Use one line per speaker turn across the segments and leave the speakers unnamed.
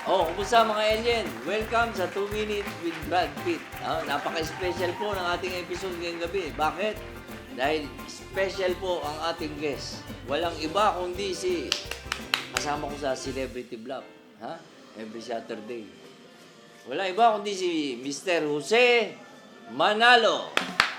Oh, kumusta mga alien? Welcome sa 2 Minutes with Brad Pitt. Napaka-special po ng ating episode ngayong gabi. Bakit? Dahil special po ang ating guest. Walang iba kundi si kasama ko sa Celebrity Block. Every Saturday. Walang iba kundi si Mr. Jose Manalo.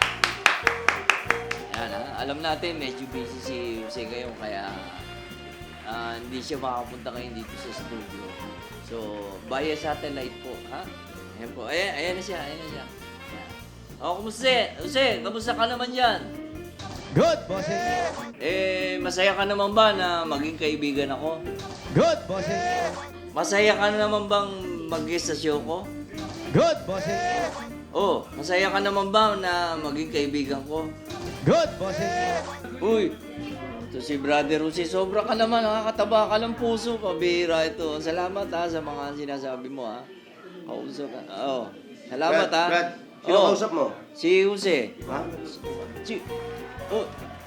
Yan, alam natin medyo busy si Jose ngayon kaya hindi siya makapunta ngayon dito sa studio. So, via satellite po, ha? Ayan po. Ayan na siya, ayan na siya. Ayan. O, kumusta? Jose, kamusta ka naman yan?
Good, bossing.
Masaya ka naman ba na maging kaibigan ako?
Good, bossing.
Masaya ka naman bang mag-guest sa show ko?
Good, bossing.
Oh, masaya ka naman ba na maging kaibigan ko?
Good, bossing.
Uy, ito si Brother Jose, sobra ka naman, nakakataba ka ng puso, pabihira ito. Salamat sa mga sinasabi mo Kausap ka. Salamat
Brad, sino kausap mo?
Si Jose.
Ha?
Oh,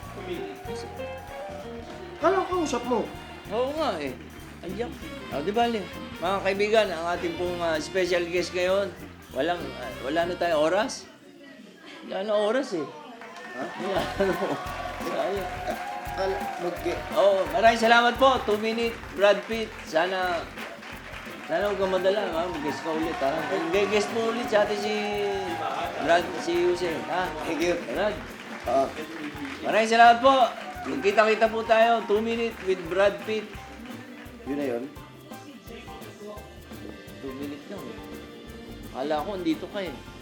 Kala ko kausap mo.
oo nga Ayan. Di ba, mga kaibigan, ang ating pong special guest ngayon, wala na tayong oras? Wala na oras
Ha?
Sayang.
Kala,
Maraming salamat po. 2 minute, Brad Pitt. Sana huwag kang madala, mag-guest ka ulit, Guest mo ulit sa atin si Jose,
Thank you.
Brad.
Ah,
Maraming salamat po. Magkita-kita po tayo. 2 minute with Brad Pitt.
yun na yun.
2 minute lang. Akala ko, andito ka